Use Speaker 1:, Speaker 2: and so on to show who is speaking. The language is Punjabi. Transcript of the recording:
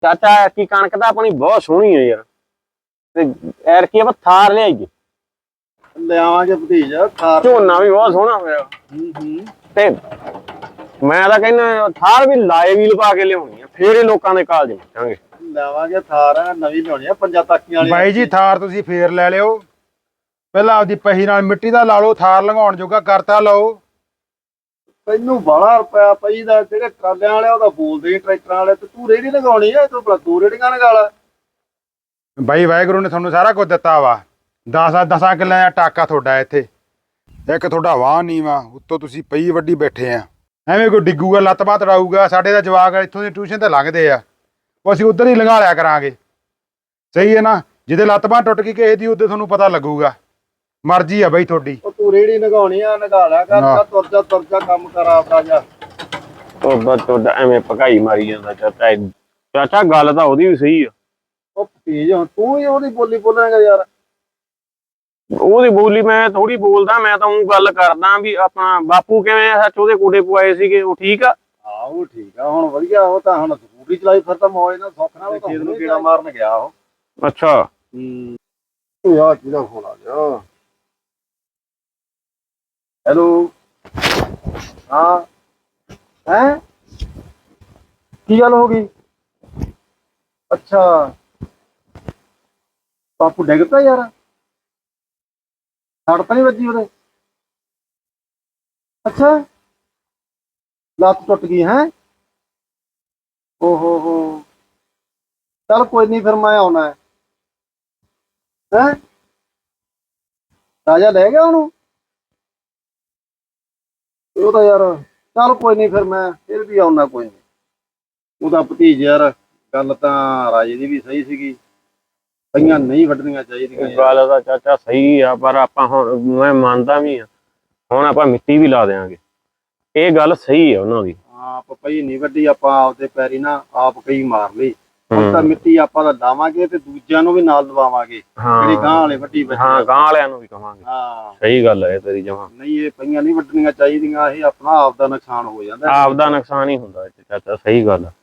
Speaker 1: ਚਾਚਾ ਐਰਕੀ ਕਣਕ ਤਾਂ ਆਪਣੀ ਬਹੁਤ ਸੋਹਣੀ ਹੈ ਯਾਰ, ਤੇ ਐਰਕੀ ਆਪਾਂ ਥਾਰ ਲਿਆਈਏ।
Speaker 2: ਲਿਆਵਾਂਗੇ ਭਤੀਜਾ ਥਾਰ।
Speaker 1: ਝੋਨਾ ਵੀ ਬਹੁਤ ਸੋਹਣਾ ਹੋਇਆ। ਤੇ ਮੈਂ ਤਾਂ ਕਹਿੰਦਾ ਥਾਰ ਵੀ ਲਾਏ ਵੀਲ ਪਾ ਕੇ ਲਿਆਉਣੀ ਆ, ਫੇਰ ਇਹ ਲੋਕਾਂ ਦੇ ਕਾਲਜ ਪਹੁੰਚਾਂਗੇ।
Speaker 2: ਲਿਆਵਾਂਗੇ ਥਾਰ ਨਵੀਂ ਲਿਆਉਣੀ ਆ, ਪੰਜਾਂ ਤਾਕੀਆਂ ਵਾਲੀ।
Speaker 3: ਬਾਈ ਜੀ ਥਾਰ ਤੁਸੀਂ ਫੇਰ ਲੈ ਲਿਓ, ਪਹਿਲਾਂ ਆਪਦੀ ਪਹੀ ਨਾਲ ਮਿੱਟੀ ਦਾ ਲਾ ਲਓ, ਥਾਰ ਲੰਘਾਉਣ ਜੋਗਾ ਕਰਤਾ ਲਓ।
Speaker 2: ਤੈਨੂੰ ਬਾਹਲਾ ਰੁਪਇਆ ਪਈ ਦਾ, ਜਿਹੜੇ ਟਰਾਲਿਆਂ ਵਾਲੇ ਉਹਦਾ ਬੋਲਦੇ ਟਰੈਕਟਰਾਂ ਵਾਲੇ, ਤੇ ਤੂੰ ਰੇਹੜੀ ਲਗਾਉਣੀ ਆ, ਤੂੰ ਭਲਾ ਤੂੰ ਰੇਹੜੀਆਂ ਲਗਾ ਲਾ।
Speaker 3: ਬਾਈ ਵਾਹਿਗੁਰੂ ਨੇ ਤੁਹਾਨੂੰ ਸਾਰਾ ਕੁਝ ਦਿੱਤਾ ਵਾ, 10 ਕਿੱਲਿਆਂ ਦਾ ਟਾਕਾ ਤੁਹਾਡਾ ਇੱਥੇ, ਇੱਕ ਤੁਹਾਡਾ ਵਾਹ ਨਹੀਂ ਵਾ, ਉੱਤੋਂ ਤੁਸੀਂ ਪਈ ਵੱਡੀ ਬੈਠੇ ਆ। ਐਵੇਂ ਕੋਈ ਡਿੱਗੂਗਾ ਲੱਤ ਬਾਂਹ ਤੜਾਊਗਾ, ਸਾਡੇ ਦਾ ਜਵਾਕ ਇੱਥੋਂ ਦੀ ਟਿਊਸ਼ਨ ਤੇ ਲੰਘਦੇ ਆ, ਉਹ ਅਸੀਂ ਉੱਧਰ ਹੀ ਲੰਘਾ ਲਿਆ ਕਰਾਂਗੇ। ਸਹੀ ਹੈ ਨਾ, ਜਿਹਦੇ ਲੱਤ ਬਾਂਹ ਟੁੱਟ ਗਈ ਕਿਸੇ ਦੀ ਉਹਦੇ ਤੁਹਾਨੂੰ ਪਤਾ ਲੱਗੂਗਾ। ਮਰਜ਼ੀ ਆ ਬਈ ਤੁਹਾਡੀ।
Speaker 2: ਉਹ ਤੂੰ ਰੇਹੜੀ ਲਗਾਉਣੀ ਆ, ਲਗਾ ਲਿਆ ਕਰ, ਤੁਰ ਜਾ ਕੰਮ ਕਰ ਆਪਦਾ ਜਾ।
Speaker 1: ਤੁਹਾਡਾ ਐਵੇਂ ਭਕਾਈ ਮਾਰੀ ਜਾਂਦਾ ਚਾਚਾ। ਚਾਚਾ ਗੱਲ ਤਾਂ ਉਹਦੀ ਵੀ ਸਹੀ ਆ।
Speaker 2: ਉਹ ਭਤੀਜ ਹੁਣ ਤੂੰ ਹੀ ਉਹਦੀ ਬੋਲੀ ਬੋਲਾਂਗਾ ਯਾਰ।
Speaker 1: ਉਹਦੀ ਬੋਲੀ ਮੈਂ ਥੋੜੀ ਬੋਲਦਾ, ਮੈਂ ਤਾਂ ਉਹ ਗੱਲ ਕਰਦਾ ਵੀ ਆਪਣਾ ਬਾਪੂ ਕਿਵੇਂ ਆ, ਸੱਚ ਉਹਦੇ ਕੋਡੇ ਪਵਾਏ ਸੀਗੇ, ਉਹ ਠੀਕ ਆ?
Speaker 2: ਹਾਂ ਉਹ ਠੀਕ ਆ ਹੁਣ, ਵਧੀਆ। ਉਹ ਤਾਂ ਹੁਣ ਸਕੂਟਰੀ ਚਲਾਈ ਫਿਰ ਤਾਂ ਮੌਜ ਨਾਲ ਸੁੱਖ ਨਾਲ ਖੇਤ ਨੂੰ ਕੀੜਾ ਮਾਰਨ ਗਿਆ ਉਹ।
Speaker 1: ਅੱਛਾ।
Speaker 2: ਉਹ ਯਾਰ ਕਿਹਦਾ ਫੋਨ ਆ ਗਿਆ? ਹੈਲੋ। ਹਾਂ ਹੈ, ਕੀ ਗੱਲ ਹੋ ਗਈ? ਅੱਛਾ ਬਾਪੂ ਡਿੱਗ ਪਿਆ ਯਾਰ, ਸੱਟ ਤਾਂ ਨਹੀਂ ਵੱਜੀ ਉਹਦੇ? ਅੱਛਾ ਲੱਤ ਟੁੱਟ ਗਈ ਹੈ? ਓਹੋ ਹੋ, ਚੱਲ ਕੋਈ ਨਹੀਂ, ਫਿਰ ਮੈਂ ਆਉਣਾ ਹੈ। ਰਾਜਾ ਲੈ ਗਿਆ ਉਹਨੂੰ? ਉਹ ਤਾਂ ਯਾਰ ਚੱਲ ਕੋਈ ਨਹੀਂ, ਫਿਰ ਮੈਂ ਫਿਰ ਵੀ ਆਉਣਾ, ਕੋਈ ਨਹੀਂ। ਉਹਦਾ ਭਤੀਜ ਯਾਰ, ਗੱਲ ਤਾਂ ਰਾਜੇ ਦੀ ਵੀ ਸਹੀ ਸੀਗੀ, ਪਈਆਂ ਨਹੀਂ ਵੱਢਣੀਆਂ ਚਾਹੀਦੀਆਂ।
Speaker 1: ਗੱਲ ਤਾਂ ਚਾਚਾ ਸਹੀ ਆ, ਪਰ ਆਪਾਂ ਹੁਣ ਮੈਂ ਮੰਨਦਾ ਵੀ ਆ, ਹੁਣ ਆਪਾਂ ਮਿੱਟੀ ਵੀ ਲਾ ਦਿਆਂਗੇ, ਇਹ ਗੱਲ ਸਹੀ ਆ ਉਹਨਾਂ ਦੀ।
Speaker 2: ਆਪ ਪਈ ਨਹੀਂ ਵੱਡੀ, ਆਪਾਂ ਆਪਦੇ ਪੈਰੀ ਨਾ ਆਪ ਕਈ ਮਾਰ ਲਈ। ਹੁਣ ਤਾਂ ਮਿੱਟੀ ਆਪਾਂ ਤਾਂ ਲਾਵਾਂਗੇ ਤੇ ਦੂਜਿਆਂ ਨੂੰ ਵੀ ਨਾਲ ਦਵਾਵਾਂਗੇ, ਜਿਹੜੀ ਗਾਂ ਵਾਲੇ ਵੱਡੀ ਬੱਚੇ।
Speaker 1: ਹਾਂ ਗਾਂ ਵਾਲਿਆਂ ਨੂੰ ਵੀ ਕਵਾਂਗੇ।
Speaker 2: ਹਾਂ
Speaker 1: ਸਹੀ ਗੱਲ ਹੈ ਤੇਰੀ ਜਮਾਂ।
Speaker 2: ਨਹੀਂ ਇਹ ਪਈਆਂ ਨਹੀਂ ਵੱਢਣੀਆਂ ਚਾਹੀਦੀਆਂ, ਇਹ ਆਪਣਾ ਆਪ ਦਾ ਨੁਕਸਾਨ ਹੋ ਜਾਂਦਾ।
Speaker 1: ਆਪ ਦਾ ਨੁਕਸਾਨ ਹੀ ਹੁੰਦਾ ਚਾਚਾ, ਸਹੀ ਗੱਲ ਆ।